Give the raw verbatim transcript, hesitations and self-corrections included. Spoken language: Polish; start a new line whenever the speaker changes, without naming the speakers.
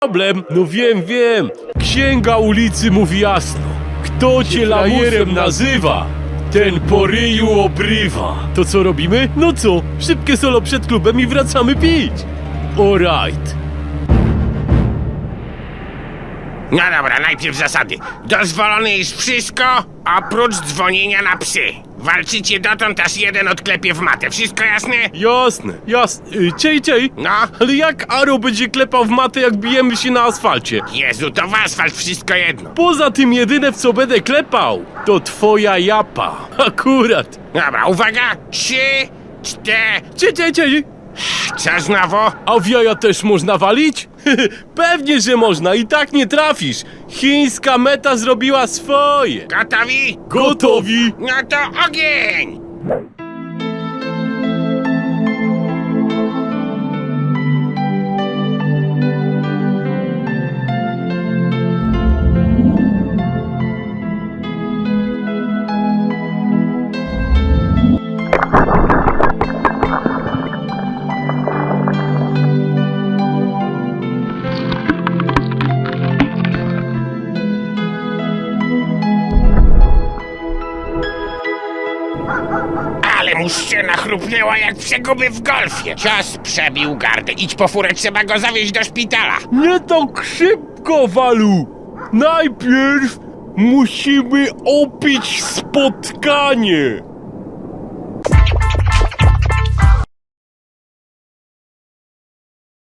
problem. No wiem, wiem. Księga ulicy mówi jasno. Kto cię lajerem nazywa, ten po ryju obrywa. To co robimy? No co? Szybkie solo przed klubem i wracamy pić. Alright.
No dobra, najpierw zasady. Dozwolone jest wszystko, oprócz dzwonienia na psy. Walczycie dotąd, aż jeden odklepie w matę. Wszystko jasne?
Jasne, jasne. Y, Ciej, ciej.
No.
Ale jak Aro będzie klepał w matę, jak bijemy się na asfalcie?
Jezu, to w asfalt wszystko jedno.
Poza tym jedyne, w co będę klepał, to twoja japa. Akurat.
Dobra, uwaga. Trzy, cztery...
Ciej, ciej, ciej.
Co znowu?
A w jaja też można walić? Pewnie, że można, i tak nie trafisz. Chińska meta zrobiła swoje.
Gotowi?
Gotowi.
No to ogień! Ale mu ściana chrupnęła jak przeguby w golfie. Cios przebił gardę. Idź po furę, trzeba go zawieźć do szpitala.
Nie tak szybko, Walu. Najpierw musimy opić spotkanie.